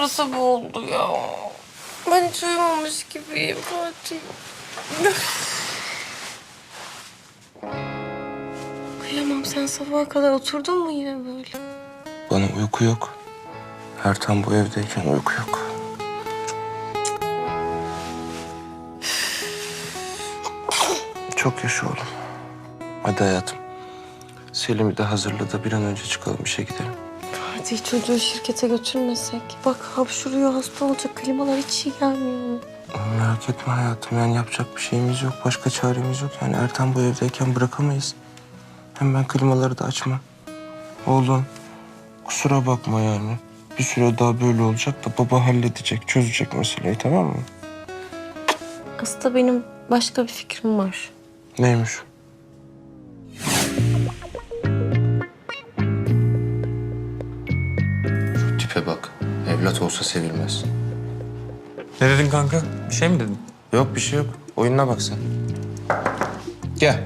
sabah oldu ya. Ben hiç uyumamış gibiyim Fatih. Kıyamam, sen sabaha kadar oturdun mu yine böyle? Bana uyku yok. Ertan bu evdeyken uyku yok. Çok yaşa oğlum. Hadi hayatım. Selim'i de hazırla da bir an önce çıkalım, işe gidelim. Fatih, çocuğu şirkete götürmesek. Bak hapşuruyor, hasta olacak. Klimalar hiç iyi gelmiyor. Merak etme hayatım, yani yapacak bir şeyimiz yok. Başka çaremiz yok. Yani Ertan bu evdeyken bırakamayız. Hem ben klimaları da açmam. Oğlum kusura bakma yani. Bir süre daha böyle olacak da baba halledecek, çözecek meseleyi, tamam mı? Aslında benim başka bir fikrim var. Neymiş? Şu tipe bak. Evlat olsa sevilmez. Ne dedin kanka? Bir şey mi dedin? Yok bir şey yok. Oyununa bak sen. Gel.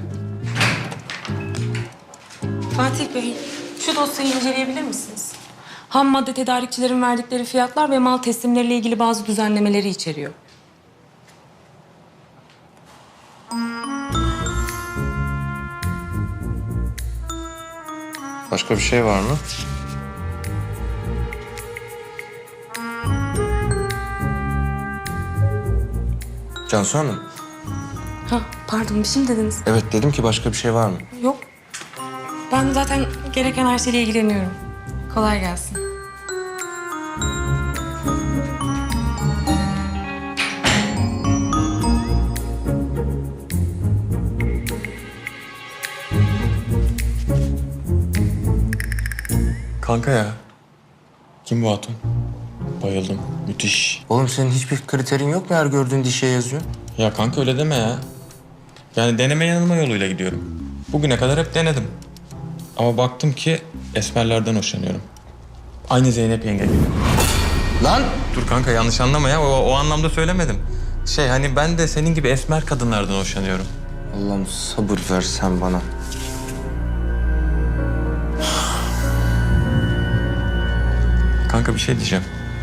Fatih Bey, şu dosyayı inceleyebilir misiniz? Ham madde tedarikçilerin verdikleri fiyatlar ve mal teslimleriyle ilgili bazı düzenlemeleri içeriyor. Başka bir şey var mı? Cansu Hanım. Ha, pardon, bir şey mi dediniz? Evet dedim ki başka bir şey var mı? Yok. Ben zaten gereken her şeyle ilgileniyorum. Kolay gelsin. Kanka ya. Kim bu hatun? Bayıldım. Müthiş. Oğlum senin hiçbir kriterin yok mu, her gördüğün dişe yazıyorsun? Ya kanka öyle deme ya. Yani deneme yanılma yoluyla gidiyorum. Bugüne kadar hep denedim. Ama baktım ki esmerlerden hoşlanıyorum. Aynı Zeynep yenge gibi. Lan! Dur kanka, yanlış anlama ya. O anlamda söylemedim. Hani ben de senin gibi esmer kadınlardan hoşlanıyorum. Allah'ım sabır ver sen bana. Kanka bir şey diyeceğim.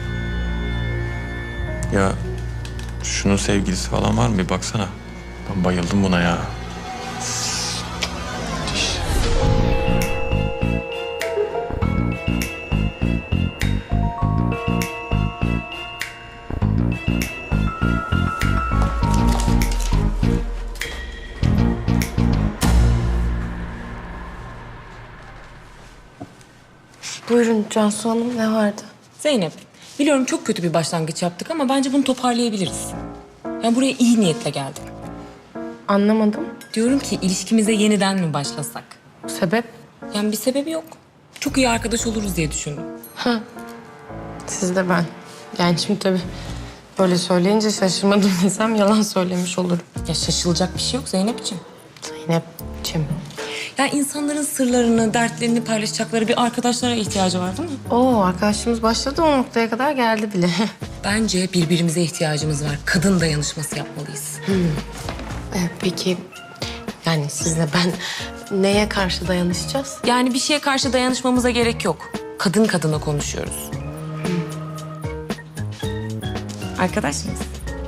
Ya şunun sevgilisi falan var mı? Bir baksana. Ben bayıldım buna ya. Müthiş. Buyurun Cansu Hanım, ne vardı? Zeynep, biliyorum çok kötü bir başlangıç yaptık ama bence bunu toparlayabiliriz. Yani buraya iyi niyetle geldim. Anlamadım. Diyorum ki ilişkimize yeniden mi başlasak? Sebep? Yani bir sebebi yok. Çok iyi arkadaş oluruz diye düşündüm. Siz de ben. Yani şimdi tabii böyle söyleyince şaşırmadım desem yalan söylemiş olurum. Ya şaşılacak bir şey yok Zeynep'ciğim. Zeynep'ciğim. Ya insanların sırlarını, dertlerini paylaşacakları bir arkadaşlara ihtiyacı var değil mi? Oo, arkadaşımız başladı, o noktaya kadar geldi bile. Bence birbirimize ihtiyacımız var. Kadın dayanışması yapmalıyız. Peki yani sizle ben neye karşı dayanışacağız? Yani bir şeye karşı dayanışmamıza gerek yok. Kadın kadına konuşuyoruz. Arkadaş mıyız?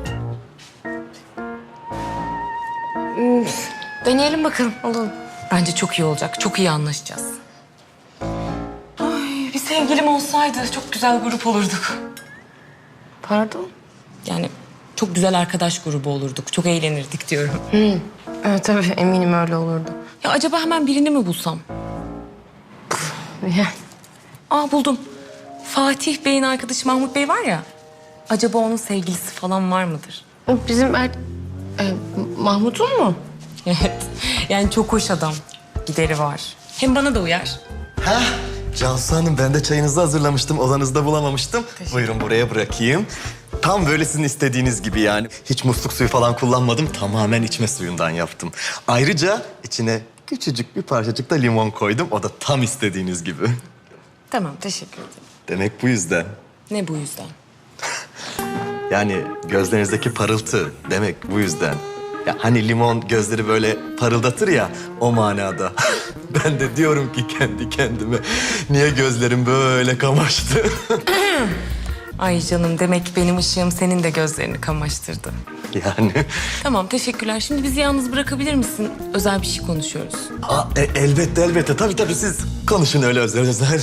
Deneyelim bakalım, olalım. Bence çok iyi olacak. Çok iyi anlaşacağız. Ay, bir sevgilim olsaydı çok güzel grup olurduk. Pardon? Yani çok güzel arkadaş grubu olurduk. Çok eğlenirdik diyorum. Evet tabii, eminim öyle olurdu. Ya acaba hemen birini mi bulsam? Yani Aa, buldum. Fatih Bey'in arkadaşı Mahmut Bey var ya. Acaba onun sevgilisi falan var mıdır? bizim Mahmut'un mu? Evet. Yani çok hoş adam. Gideri var. Hem bana da uyar. Heh, Cansu Hanım, ben de çayınızı hazırlamıştım. Odanızda bulamamıştım. Buyurun buraya bırakayım. Tam böyle sizin istediğiniz gibi yani. Hiç musluk suyu falan kullanmadım. Tamamen içme suyundan yaptım. Ayrıca içine küçücük bir parçacık da limon koydum. O da tam istediğiniz gibi. Tamam, teşekkür ederim. Demek bu yüzden. Ne bu yüzden? Yani gözlerinizdeki parıltı demek bu yüzden. Ya hani limon gözleri böyle parıldatır ya, o manada. Ben de diyorum ki kendi kendime, niye gözlerim böyle kamaştı? Ay canım, demek ki benim ışığım senin de gözlerini kamaştırdı. Yani. Tamam, teşekkürler. Şimdi bizi yalnız bırakabilir misin? Özel bir şey konuşuyoruz. Elbette. Tabii siz konuşun öyle özel.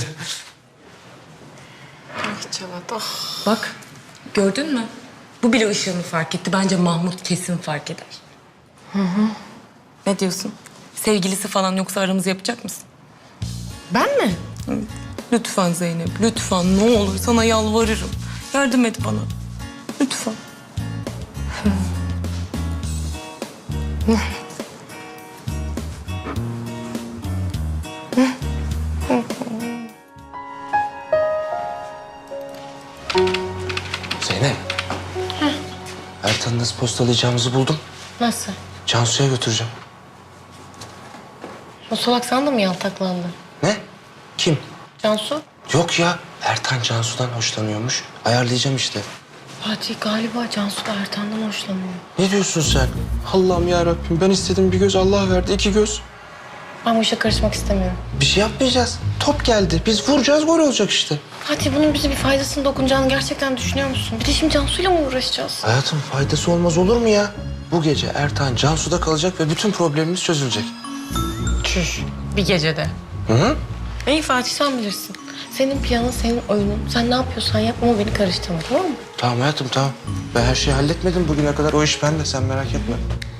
Ah Cevat ah. Bak, gördün mü? Bu bile ışığımı fark etti. Bence Mahmut kesin fark eder. Ne diyorsun? Sevgilisi falan yoksa aramızı yapacak mısın? Ben mi? Lütfen Zeynep, lütfen. Ne olur sana yalvarırım. Yardım et bana. Lütfen. Zeynep. Ertan'ı nasıl postalayacağımızı buldum. Nasıl? Cansu'ya götüreceğim. O salak sana da mı yaltaklandı? Ne? Kim? Cansu? Yok ya. Ertan Cansu'dan hoşlanıyormuş. Ayarlayacağım işte. Fatih galiba Cansu da Ertan'dan hoşlanıyor. Ne diyorsun sen? Allah'ım ya Rabbim, ben istedim bir göz, Allah verdi iki göz. Ben bu işe karışmak istemiyorum. Bir şey yapmayacağız. Top geldi. Biz vuracağız, gol olacak işte. Fatih bunun bize bir faydasını dokunacağını gerçekten düşünüyor musun? Bir de şimdi Cansu'yla mı uğraşacağız? Hayatım, faydası olmaz olur mu ya? Bu gece Ertan Cansu'da kalacak ve bütün problemimiz çözülecek. Çüş. Bir gecede. Hı? İyi Fatih sen bilirsin. Senin planın, senin oyunun. Sen ne yapıyorsan yap ama beni karıştırma, tamam mı? Tamam hayatım, tamam. Ben her şeyi halletmedim bugüne kadar. O iş bende, sen merak etme.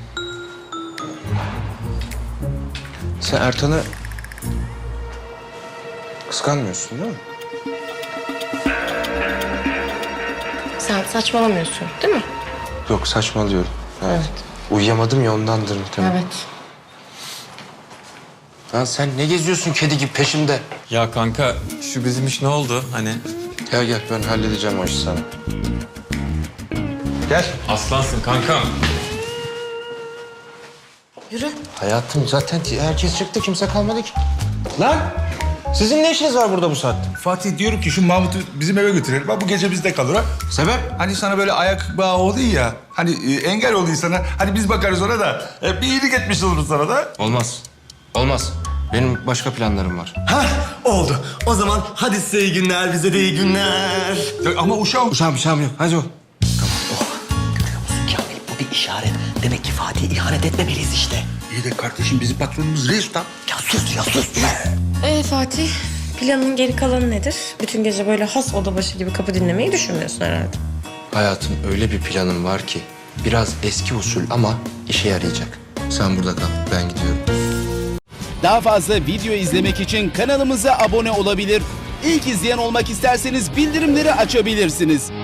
Sen Ertan'ı kıskanmıyorsun değil mi? Sen saçmalamıyorsun değil mi? Yok, saçmalıyorum. Evet. Uyuyamadım ya, ondandır muhtemelen. Evet. Lan sen ne geziyorsun kedi gibi peşimde? Ya kanka, şu bizim iş ne oldu hani? Gel ben halledeceğim o işi sana. Gel. Aslansın kankam. Yürü. Hayatım zaten herkes çıktı, kimse kalmadı ki. Lan sizin ne işiniz var burada bu saatte? Fatih diyorum ki şu Mahmut'u bizim eve götürelim. Bak bu gece bizde kalır ha. Sebep? Hani sana böyle ayak bağı oldu ya. Hani engel oldu sana. Hani biz bakarız ona da. Bir iyilik etmiş oluruz sana da. Olmaz. Olmaz. Benim başka planlarım var. Hah oldu. O zaman hadi size iyi günler, bize de iyi günler. Ama uşağım. Uşağım yok. Hadi o. Görüyor musun Kamil? Bu bir işaret. Demek ki Fatih'e ihanet etmemeliyiz işte. İyi de kardeşim bizim patronumuz reis lan. Ya sus. Fatih, planın geri kalanı nedir? Bütün gece böyle has oda başı gibi kapı dinlemeyi düşünmüyorsun herhalde. Hayatım, öyle bir planım var ki biraz eski usul ama işe yarayacak. Sen burada kal, ben gidiyorum. Daha fazla video izlemek için kanalımıza abone olabilir. İlk izleyen olmak isterseniz bildirimleri açabilirsiniz.